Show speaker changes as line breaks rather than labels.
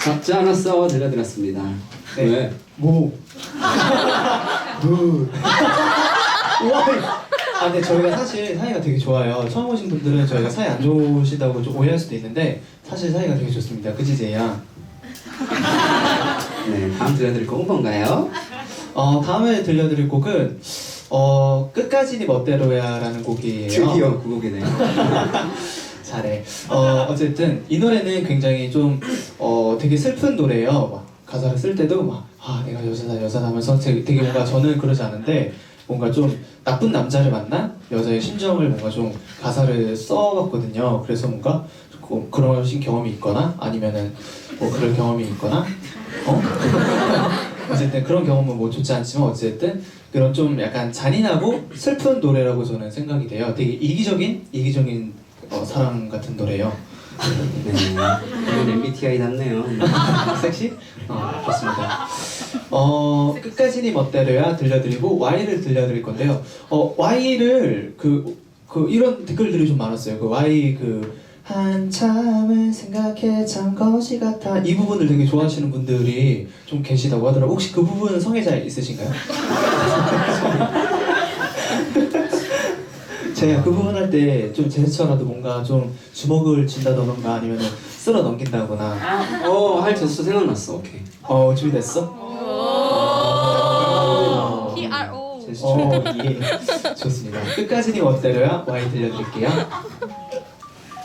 잡지 않았어 들려드렸습니다.
네.
왜?
무. 무. 우와. 아, 근데 저희가 사실 사이가 되게 좋아요. 처음 오신 분들은 저희가 사이 안 좋으시다고 좀 오해할 수도 있는데 사실 사이가 되게 좋습니다. 그치 제이야?
네, 다음 들려드릴 곡은 뭔가요?
다음에 들려드릴 곡은 끝까지 네 멋대로야라는 곡이에요.
드디어 그 곡이네요.
잘해. 어쨌든 이 노래는 굉장히 좀 되게 슬픈 노래예요. 막 가사를 쓸 때도 막 내가 여자다 하면서 되게 뭔가 저는 그러지 않은데 뭔가 좀 나쁜 남자를 만난 여자의 심정을 뭔가 좀 가사를 써봤거든요. 그래서 뭔가 그러신 경험이 있거나 아니면은 뭐 그럴 경험이 있거나 어쨌든 그런 경험은 뭐 좋지 않지만 어쨌든 그런 좀 약간 잔인하고 슬픈 노래라고 저는 생각이 돼요. 되게 이기적인 사랑 같은 노래예요.
네, 이건 MBTI답네요.
섹시? 좋습니다. 끝까지 네 멋대로야 들려드리고 Y를 들려드릴 건데요. Y를 이런 댓글들이 좀 많았어요. 그 Y 한참을 생각해 참 것이 같아 이 부분을 되게 좋아하시는 분들이 좀 계시다고 하더라고요. 혹시 그 부분 성애자 있으신가요? 제가 그 부분 할 때 좀 제스처라도 뭔가 좀 주먹을 쥔다던가 아니면 쓸어 넘긴다거나
할 제스처 생각났어. 오케이.
준비됐어?
PRO.
제스처 예 좋습니다. 끝까지 니 멋대로야 Y 들려드릴게요.